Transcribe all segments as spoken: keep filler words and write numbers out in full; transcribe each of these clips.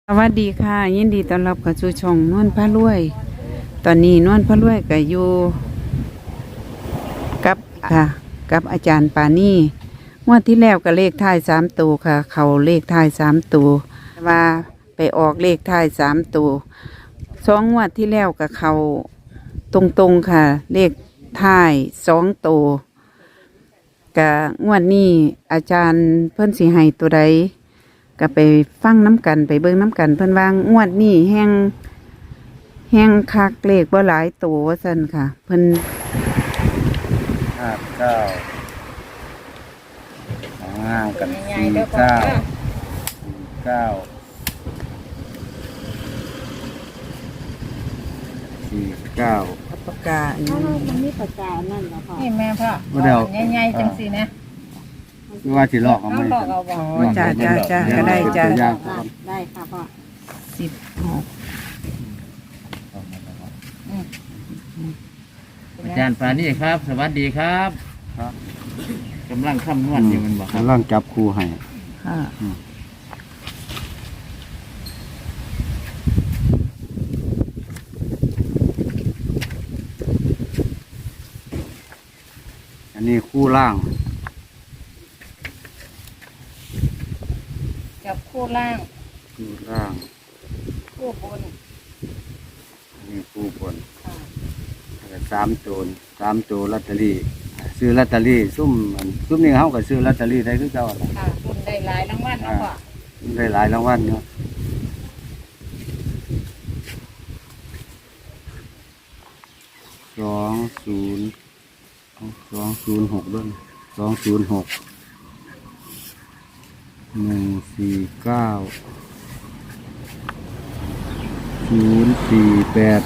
สวัสดีค่ะยินดีต้อนรับเข้าสู่ช่องนวลพระรวยตอนนี้นวลพระรวยก็อยู่กับค่ะกับอาจารย์ปานี่งวดที่แล้วก็เลขท้ายสามตัวค่ะ เขาเลขท้ายสามตัวว่าไปออกเลขท้ายสามตัวสองงวดที่แล้วก็เขาตรงๆค่ะ เลขท้ายสองตัวก็งวดนี้อาจารย์เพิ่นสิให้ตัวใดก็ไปฟังน้ำกันไปเบิ่งน้ำกันเพิ่นว่างวดนี้แห้งแห้งคักเลขบ่หลายตัวว่าซั่นค่ะเพิ่นห้าเก้าสองห้ากันสี่เก้าสี่เก้าสี่เก้าปากกาอันนี้มันมีปากกานั่นเหรอพ่อนี่แม่พ่อบ่ได้เอาใหญ่ๆจังสินะไม่ว่าสิลอกเอาไหมเอาลอกเอาบ่อ๋อจ้าจ้าจ้าก็ได้จ้าตัวอย่างก่อนได้ค่ะพ่อสิบหกอาจารย์ปานี่ครับ สวัสดีครับครับกำลังคำนวณอยู่มันบอกครับกำลังจับคู่ให้ค่ะอันนี้คู่ล่างกับคู่ล่างคู่ล่างคู่บนอันนี้คู่บนแล้วก็สามตัวสามตัวลอตเตอรี่ซื้อลอตเตอรี่ซุ่มอันซุ่มนี่เขาก็ซื้อลอตเตอรี่ได้คือเก่าแหละค่ะคุณได้หลายรางวัลเนาะพ่อได้หลายรางวัลเนาะสองศูนย์สองศูนย์หกด้วยสองศูนย์หกหนึ่งสี่เก้าศูนย์สี่แปด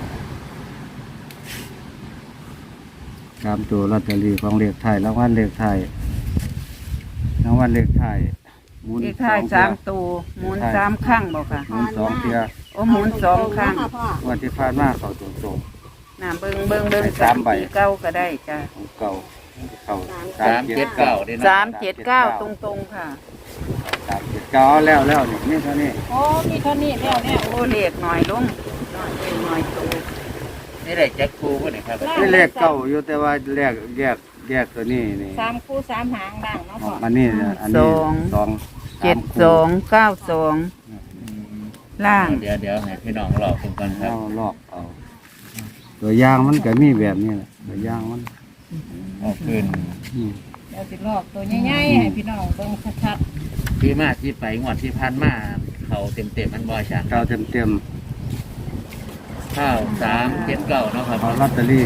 สามตัวลอตเตอรี่ของเลขไทยรางวัลเลขไทยรางวัลเลขไทยหมุนเลขท้ายองสามเทื่อตัวหมุนสามครั้งบ่ค่ะหมุนสองเทียโอ้หมุนสองครั้งค่ะพ่อวันที่ผ่านมาเขาตรงตรงน่ะเบิ่งเบิ่งเบิ่งให้สามใบสี่เก้าก็ได้จ้าๆของเก่าเขาสามเจ็ดเก้าเด้สานะมเจ็ดเก้าตรงๆค่ะสามเจ็ดเก้าเอาแล้วแล้วนี่นี่เท่านี้โอ้มีเท่านี้แล้วเนี่ยโอ้เลขหน่อยลงหน่อยเลขหน่อยตัวนี่ได้แจ็คคูป่ะเนี่ยครับนี่เลขเก้าอยู่แต่ว่าแยกแยกแยกตัวนี้นี่สามคู่สามหางด่างเนาะพ่ออันนี้เนี่ยอันนี้สองเจ็ดสองเก้าสองล่างเดี๋ยวเดี๋ยวให้พี่น้องรอคุณก่อนครับเอาลอกเอาตัวอยางมันก็มีแบบนี้แหละตัวอยางมันออกขึ้นอืมเดี๋ยวสิลอกตัวใหญ่ๆให้พี่น้องเบิ่งชัดที่มาที่ไปงวดที่พันมาเขาเต็มเต็มๆมันบ่อยช่างเก้าเต็มเต็มข้าวสามเจ็ดเก้าเนาะครับเอาลอตเตอรี่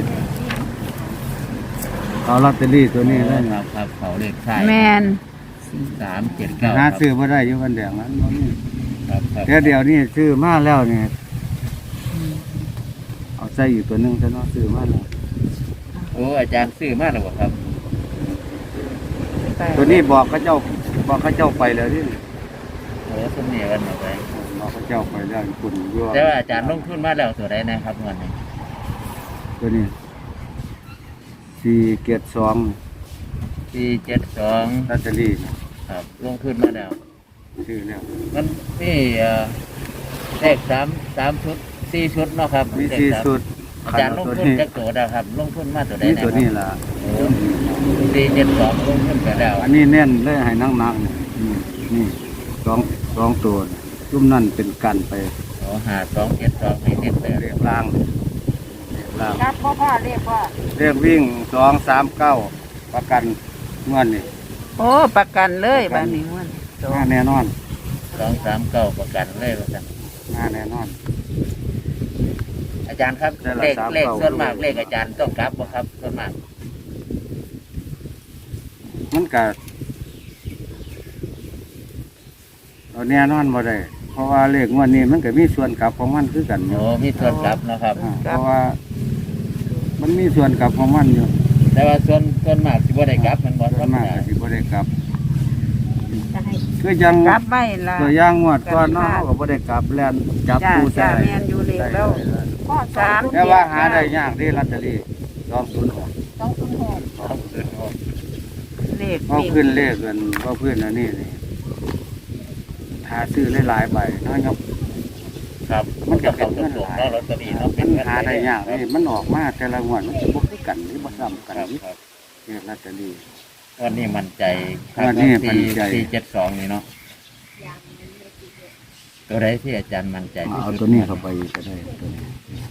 เอาลอตเตอรี่ตัวนี้เลยคนะรับครับเขาเลขไทยแมนสามเจ็ดเก้าหาครับซื้อมาได้อยู่วันแดงนั้นบ่มีครับครับแต่เดี๋ยวนี้ซื้อมาแล้วเนี่ยเอาใส่อีกตัวหนึงซะเนาะซื้อมาแล้วโอ้อาจารย์ซื้อมาแล้วบ่ครับตัวนี้บอกเขาเจ้าบอกเขาเจ้าไปแล้วนี่โอ้สมเนียกันเอาไปบอกเขาเจ้าไปแล้วคุณยั่วแต่ว่าอาจารย์ลงทุนมาแล้วตัวใดนะครับงวดนี้ตัวนี้สี่เกียรติสองสี่เจ็ดสองลอตเตอรี่ครับลงทุนมาแล้วซื้อแล้วมันนี่เอ่อเลขสามสามชุดสี่ชุดเนาะครับมีเลขสี่สามสุดอาจารย์ลงตัวทุนนี้จากตัวใดครับ ลงทุนมาตัวใดนี่นะตัวนี้ล่ะสี่เจ็ดสองลงทุนไปแล้วอันนี้แน่นเลยให้นั่งนักนี่นี่สองสองตัวนี่จุ่มนั่นเป็นกันไปโอ้หาสองเจ็ดสองนี่เน้นไปเรียกล่างเรียกล่างๆครับพ่อพ่อเรียกว่าเรียกวิ่งสองสามเก้าประกันเงินนี่โอ้ประกันเลยบ้านนี้ม่วนสอหน้าง แน่นอนสองสามเก้าประกันเลยว่าซั่นหน้าแน่นอนอาจารย์ครับได้ละเลขสามเลขเก้าส่วนมากเลขอาจารย์ต้องกลับบ่ครับส่วนมากมันก็เราแน่นอนบ่ได้เพราะว่าเลขงวดนี้มันก็มีส่วนกลับของมันคือกันอโอ้ยู่มีส่วนกลับเนาะครับอ่าเพราะว่า มันมีส่วนกลับของมันอยู่แต่ว่าส่วนส่วนมากสิบ่ได้กลับมันบ่ส่ธวรนรมมากดาก็สิบ่ได้กลับจะให้คือยังกลับไว้ละตัวอย่างงวดก่อนเนาะเขาก็บ่ได้กลับแล่นจับจ้าผู้จ้าใส่แมนอยู่เลขแล้วพ่อสามแต่ว่าหาได้ยากเด้ลอตเตอรี่สองศูนย์หกต้องคุณหกต้องขึ้นโอ้เลขเพราะขึ้นเลขกันเพราะขึ้นอันนี้นี่หาซื้อหลายๆใบน้อยครับครับมันก็เป็เข้าน ตเงินรงหลายๆเนาะลอตเตอรี่เนาะมันหาได้ยากเลยมันออกมาแต่ละงวดมันจะบ่คือกันหรือบ่ซ้ำคกันรับนี่ครับเลขลอตเตอรี่วันนี้มั่นใจวันนี้มั่นใจสี่เจ็ดสองนี่เนาะตัวใดที่อาจารย์มั่นใจที่เอาสุดตัวนี้เข้าไปก็ได้ตัวนี้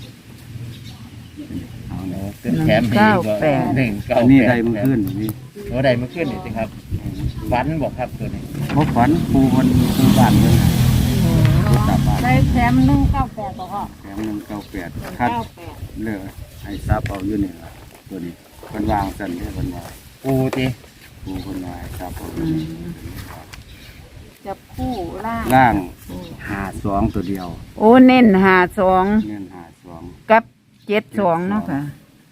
เอาโอ้เนี่ยขึ้นแถมให้อีกว่าหนึ่งเก้าอันนี้แปดได้มือขึ้นนี่โอ้ได้เมื่อคืนนี่สิครับฝันบอกครับตัวนี้บ่ฝันปูบนปูบ้านเพิ่นน่ะปูตาบ้านได้แถมหนึ่งเก้าแปดบ่พ่อแถมหนึ่งเก้าแปดคัดเก้าแปดเลือกให้ซับเอาอยู่นี่ล่ะตัวนี้เพิ่นวางสั่นเด้อเพิ่นว่าปูติปูเพิ่นว่าให้ซับเอาอยู่นี่จับคู่ล่างล่างหาสองตัวเดียวโอ้เน้นหาสองเงินหาสองกับเจ็ดสองเนาะค่ะ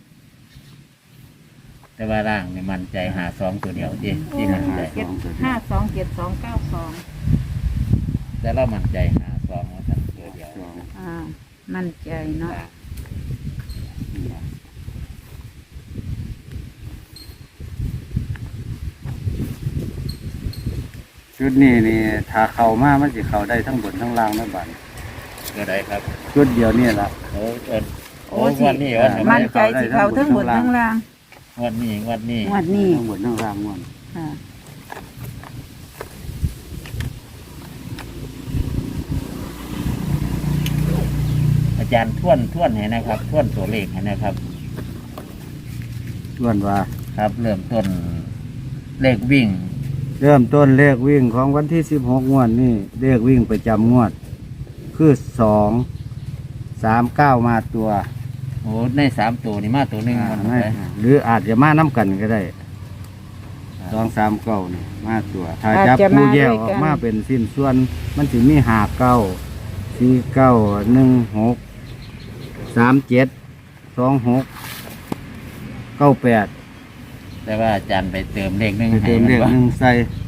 แต่ว่าร่างนี่มั่นใจหาสองตัวเดียวที่ที่มั่นใจเจ็ดห้าสองเจ็ดสองเก้าสองแต่เรามั่นใจหาสองว่าสั่นตัวเดียวสองอ่า มั่นใจเนาะชุดนี้นี่ถ้าเข้ามามันสิเข้าได้ทั้งบนทั้งล่างนะบัดตัวใดครับชุดเดียวนี่ล่ะโอ้เอิ้นโอ้โอ้สิวันนี้วันนี้มั่นใจสิเขาทั้งบนทั้งล่างวันนี้วันนี้งวดนี้ทั้งบนทั้งล่างม่วนค่ะอาจารย์ท่วนท่วนให้นะครับท่วนตัวเลขให้นะครับส่วนว่าครับ เริ่มต้นเลขวิ่งเริ่มต้นเลขวิ่งของวันที่สิบหกงวดนี่เลขวิ่งประจำงวด คือสองสามเก้ามาตัวโอ้ในสามตัวนี่มาตัวหนึ่งอ่ามันไม่ไปหรืออาจจะมาน้ำกันก็ได้สองสามเก้านี่มาตัว ถ้าอาจจับจะมาผู้แยกด้วยอกัอน กมาเป็นสิ้นส่วน มันสิมีหาเก้าสี่เก้าหนึ่งหกสามเจ็ดสองหกเก้าแปดแต่ว่าอาจารย์ไปเติมเลขหนึ่งไปให้เติมมันเลขว่าหนึ่งใส่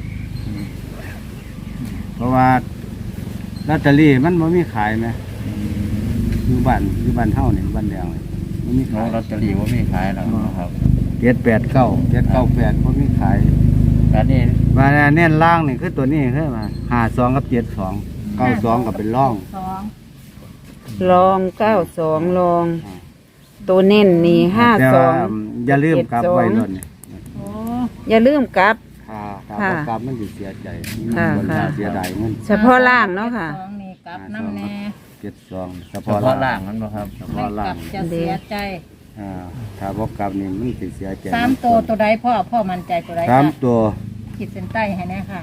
เพราะว่าลอตเตอรี่มันไม่มีขายไหมอยู่บ้านอยู่บ้านเท่านี่บ้านแดงเลยมันมีโอ้ขายลอตเตอรี่ว่ามีขายแล้วนะครับเจ็ดแปดเก้าเจ็ดเก้าแปดมันมีขายการนี้มาเน้นล่างนี่คือตัวนี้คือมาหาสองกับเจ็ดสองเก้าสองกับเป็นร่องสองลองเก้าสองลอง ตัวเน้นนี่ห้าแต่สอว่าง อย่าลืมกลับไว้รถนี่โอ้อย่าลืมกลับถ้าถ้าค่ะบ่กลับมันจะเสียใจค่ะมันค่ะเสียดายเงินเฉพาะล่างเนาะค่ะสองนี่กลับน้ำแน่เจ็ดสองเฉเฉพาะพาะล่าล่าง งมันบ่ครับเฉไม่พาะกล่าลังบจะเสียใจอ่าถ้าบ่กลับนี่มันจะเสียใจสามตัวตัวใดพ่อพ่อมั่นใจตัวใดสามค่ะตัวขีดเส้นใต้ให้แน่ค่ะ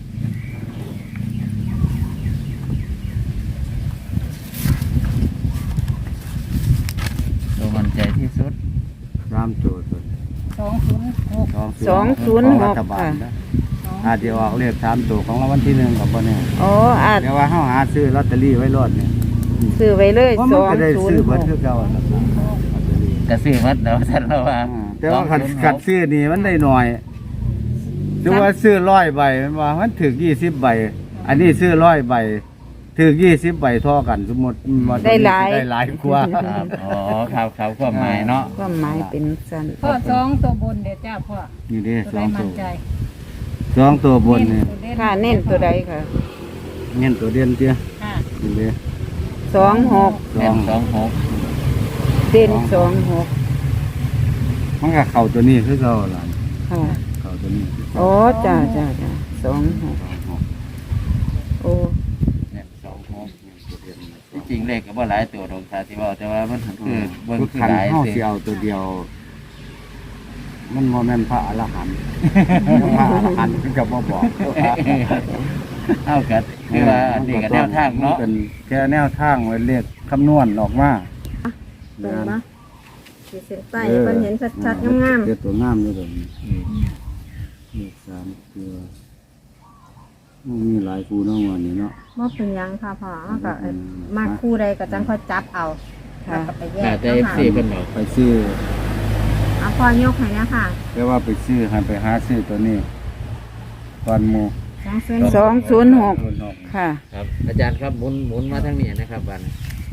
ตัวมั่นใจที่สุดสามตัวตัวสองศูนย์หกสองศูนย์หกของรัฐบาลค่ะนะอาจจะออกเลขสามตัวของรางวัลที่หนึ่งกับบ่เนี่ยอ๋ออาจเดี๋ยวว่าเฮาหาซื้อลอตเตอรี่ไว้รอดเนี่ยซื้อไว้เลยเพราะสมันองก็ได้ศูนซื้อย์หเบิดกคือเก่าล่ะครับลอตเตอรี่กระซื้อมัดแล้วท่านเราว่าอ่าแต่ว่าขัดสองศูนย์หกขัดซื้อนี่มันได้หน่อยถือว่าซื้อร้อยใบมันว่ามันถึกยี่สิบใบ อันนี้ซื้อร้อยใบถึกยี่สิบใบเท่อกัน สมมติว่าได้หลายได้หลายกว่าครับอ๋อครับครับความหมายเนาะความหมายเป็นสั้นพ่อสองตัวบนเดี๋ยวจ้าพ่อนี่เด้ตัวสใดองตัมั่วนใจสองตัวบนนี่ค่ะเน้นตัวใดค่ะเงี้ยตัวเด่นเตี้ยค่ะนี่เด้สองหกสแม่อน งสองหกเด่นสองหกมันก็เข้าตัวนี้คือเก่าล่ะค่ะเข้าตัวนี้คือเก่าโอ้จ้าจ้าจ้าสองหกสองหกโอ้แม่นสองหกตัวเด่นที่จริงเลขก็บ่หลายตัวดอกค่ะที่ว่าแต่ว่ามันคือคือเบิ่งทุกคือครั้งหลายเฮาสิสิเอาตัวเดียว มันบ่แม่นพระอรหันต์ พระอรหันต์คือกับบ่บอกเท่ากันคือว่าอันนี้ก็แนวทางเนาะมัเป็นแค่แนวทางไว้เลขคำนวณออกมาตรงปะขีดเส้นใต้ออมันเห็นชัดๆงามเฮ็ดตัวงามอยู่ตรงนี้เลขสามตัวมันมีหลายคู่เนาะวันนี้เนาะๆว่าเป็นหยังค่ะพ่อมันก็เอ่อมากคู่ใดก็จังค่อยจับเอาแล้วก็ไปแยแต่กได้เนาะซีค่ะเพิ่นบอกไปซื้อเอาพ่อยกให้นะค่ะแต่ว่าไปซื้อให้ไปหาซื้อตัวนี้ก่อนหมู่สองเส้นสองศูนย์หกศูนย์หกค่ะครับ อาจารย์ครับหมุนหมุนมาทางนี้นะครับบัดนี้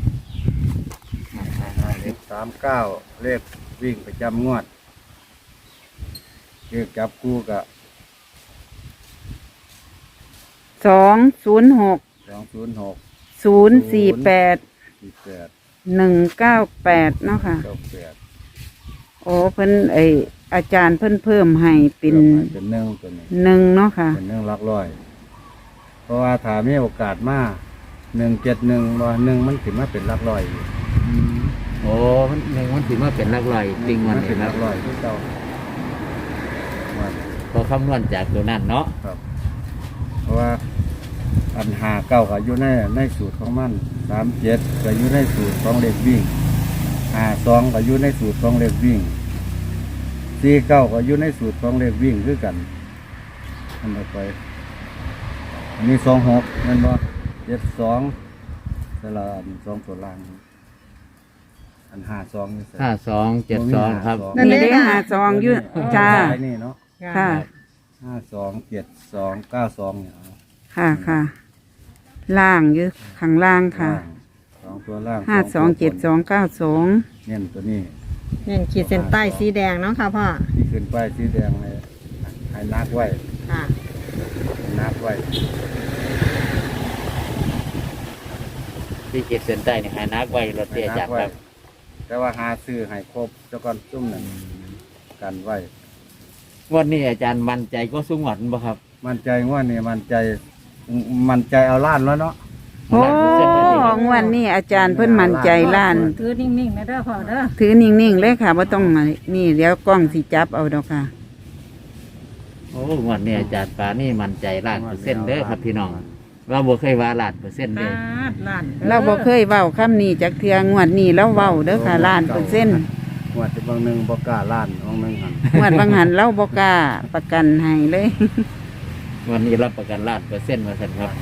เลขสามเก้าเลขวิ่งประจำงวดเลขจับคู่กับสองศูนย์หกสองศูนย์หกศูนย์สี่แปดสี่แปดหนึ่งเก้าแปดเนาะค่ะเก้าแปดโอ้เพิ่นไออาจารย์เพิ่นเพิ่มให้เป็นเป็นหนึ่งตัวนี้หนึ่งเนาะค่ะเป็นหนึ่งหลักร้อย เพราะว่าถ้ามีโอกาสมาหนึ่งเจ็ดหนึ่งว่าหนึ่งมันถึงมาเป็นหลักร้อยอยู่โอ้มันหนึ่งมันถือว่าเป็นหลักร้อยจริงวันมันนี้เป็นคหรัลับกร้อยที่เจ้าว่าพอคำนวณจากตัวนั้นเนาะครับ เพราะว่าอันหาเก้าก็อยู่ในในสูตรของมันสามเจ็ดก็อยู่ในสูตรของเลขวิ่งหาสองก็อยู่ในสูตรของเลขวิ่งสี่เก้าก็อยู่ในสูตรของเลขวิ่งคือกันอันต่อไปอันนี้สองหกนั่นบ่เจ็ดสองสลับสองตัวล่าง อันห้าสองนี่ห้าสองเจ็ดสองครับนี่ได้หาซองอยืดจ้านี่เนาะค่ะห้าสองเจ็ดสองเก้าสองเนี่ยเอาค่ะค่ะล่างอยืดข้างล่างค่ะล่างสองตัวล่างห้าสองเจ็ดสองเก้าสองเน้นตัวนี้เน้นขีดเส้นใต้สีแดงเนาะค่ะพ่อที่ขึ้นป้ายสีแดงเลยให้นักไว้ค่ะให้นักไว้ที่เจ็ดเส้นใต้เนี่ยหานักไว้รถเตี้ยจักรครับแต่ว่าหาซื้อให้ครบเจ้าก่อนจุ่มหนึ่งกันไว้งวันนี้อาจารย์มั่นใจก็สู้หวัดบ่ครับมันใจว่านี่มันใจมันใจเอาล้านแล้วเนาะโอ้งวันนี้อาจารย์เพิ่นมั่นใจล้านถือนิ่งๆนะเด้อพ่อเด้อถือนิ่งๆเลยค่ะว่าต้องนี่เดี๋ยวกล้องสิจับเอาดอกค่ะโอ้งวันนี้อาจารย์ปานี่มั่นใจล้านเปอร์เซ็นต์เด้อครับพี่น้องว่าบ่เคยว่าล้านเปอร์เซ็นต์เลยลาดล้านเราบ่เคยเว้าคำนี้จากเทืองวดนี้แล้วเว้าเด้อค่ะล้านเปอร์เซ็นต์งวดจะบางหนึ่งบกล้าล้านบางหนึ่งหันงวดบางหันเราบ่กล้าประกันให้เลยวันนี้รับประกันล้านเปอร์เซ็นต์มาสั่นครับ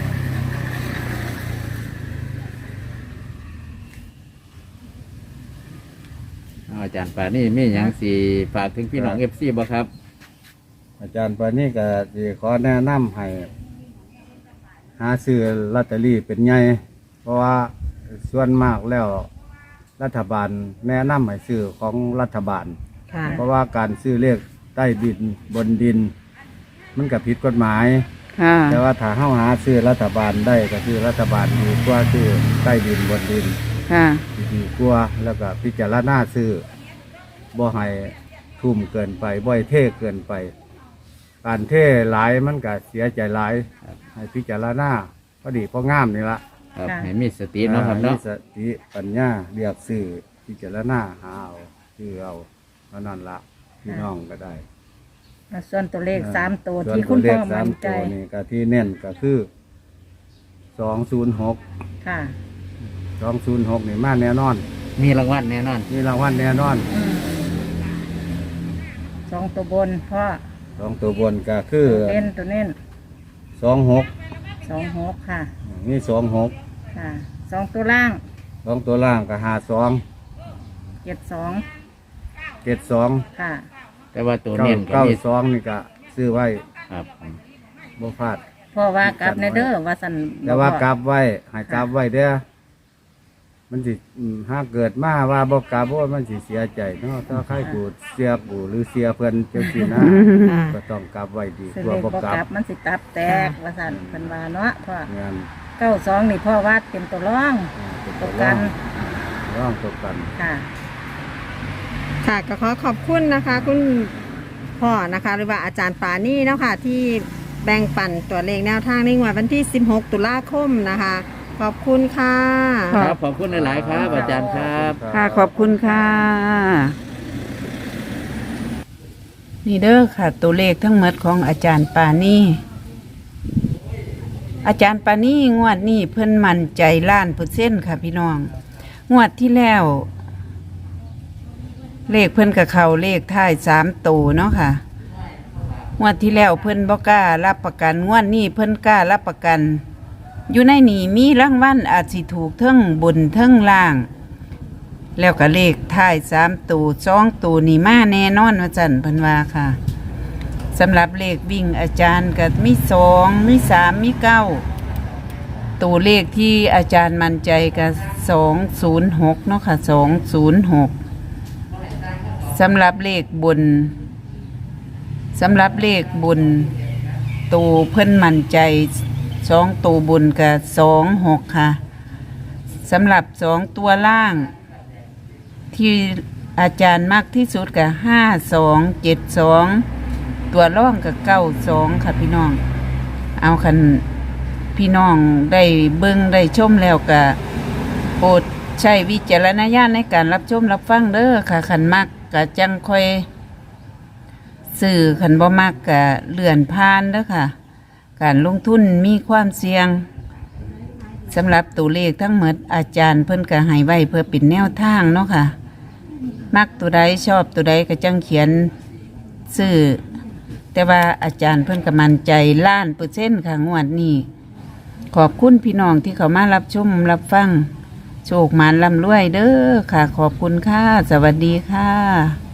เอาอาจารย์ปานี่มีหยังสิฝากถึงพี่น้อง เอฟ ซี บ่ครับอาจารย์ปานี่ก็สิขอแนะนำให้หาซื้อลอตเตอรี่เป็นไงเพราะว่าส่วนมากแล้วรัฐบาลแนะนำให้ซื้อของรัฐบาลค่ะเพราะว่าการซื้อเลขใต้ดินบนดิน มันก็ผิดกฎหมายค่ะแต่ว่าถ้าเข้าหาซื้อรัฐบาลได้ก็คือรัฐบาลดีกว่าซื้อใต้ดินบนดินค่ะดีกว่าแล้วก็พิจารณาซื้อบ่ให้ทุ่มเกินไปบ่ให้เท่เกินไป การเท่หลายมันก็เสียใจหลายให้พิจารณาพอดีพองามนี่ละครับให้มีสติเนาะครับเนาะมีสติปัญญาเรียกซื้อพิจารณาหาเอาซื้อเอาเท่านั้นละพี่น้องก็ได้ส่วนตัวเลขสามตัวส่วนที่คุณเลพ่ขอสามั่มนใจตัวนี่ก็ที่เน้นก็คือสองศูนย์หกค่ะสองศูนย์หกนี่มาแน่นอนมีรางวัลแน่นอนมีรางวัลแน่นอนอืมสองตัวบนพ่อสองตัวบนก็คือเน้นตัวเน้นสองหกสองหกค่ะนี่สองหกค่ะสองตัวล่างสองตัวล่างก็หาสองเจ็ดสองเจ็ดสองค่ะแต่ว่าตัวเก้าเน้นก็เก้ามีสองนี่ก็ซื้อไว้ครับบ่พลาดพ่อว่ากลับในเด้อว่าสันแต่ว่ากลับไว้ให้กลับไว้เด้อมันสิอืมถ้าเกิดมาว่าบ่กลับเพราะว่ามันสิเสียใจเนาะถ้าใครกูเสียกูหรือเสียเพิ่นจังซี่นะค่ะก็ต้องกลับไว้ดีซื้อกว่าเลขบ่บ่กลักลับบมันสิตับแตกว่าสันเป็นว่าเนาะพ่องานเก้าสองนี่พ่อว่าเป็นตัวร่องเป็นตัตัว วกัร่อน งร่องตัวกันค่ะค่ะก็ขอขอบคุณนะคะ คุณพ่อนะคะ หรือว่าอาจารย์ปานี่เนาะค่ะที่แบ่งปันตัวเลขแนวทางในงวดวันที่สิบหกตุลาคมนะคะ ขอบคุณค่ะครับขอบคุณหลายๆครับ อาจารย์ครับค่ะขอบคุณค่ะ นี่เด้อค่ะ ตัวเลขทั้งหมดของอาจารย์ปานี่อาจารย์ปานี่งวดนี้เพิ่นมั่นใจล้านเปอร์เซ็นต์ค่ะพี่น้อง งวดที่แล้ว เลขเพิ่นกับเขาเลขท้ายสามตัวเนาะค่ะ งวดที่แล้วเพิ่นบ่กล้ารับประกัน งวดนี้เพิ่นกล้ารับประกัน อยู่ในนี่มีรางวัลอาจสิถูกเทั้งบนเทั้งล่าง แล้วก็เลขท้ายสามตัวสองตัวนี่มาแน่นอนว่าจันเพิ่นว่าค่ะสำหรับเลขวิ่งอาจารย์ก็มีสองมีสามมีเก้าตัวเลขที่อาจารย์มั่นใจก็สองศูนย์หกเนาะค่ะสองศูนย์หกสำหรับเลขบนสำหรับเลขบนตัวเพิ่นมั่นใจสองตัวบนกับสองหกค่ะสำหรับสองตัวล่าง ที่อาจารย์มากที่สุดกับห้าสองเจ็ดสองตัวร่องกับเก้าสองค่ะพี่น้อง เอาคันพี่น้องได้เบิ่งได้ชมแล้วก็โปรดใช้วิจารณญาณในการรับชมรับฟังเด้อค่ะคันมักก็จังค่อยสื่อคันบ่มักก็เลื่อนผ่านเด้อค่ะ การลงทุนมีความเสี่ยงสำหรับตัวเลขทั้งหมดอาจารย์เพิ่นก็ให้ไว้เพื่อเป็นแนวทางเนาะค่ะ มักตัวใดชอบตัวใดก็จังเขียนซื้อแต่ว่าอาจารย์เพิ่นก็มั่นใจล้านเปอร์เซ็นต์ค่ะงวดนี้ขอบคุณพี่น้องที่เขามารับชมรับฟังโชคหมานร่ำรวยเด้อค่ะ ขอบคุณค่ะ สวัสดีค่ะ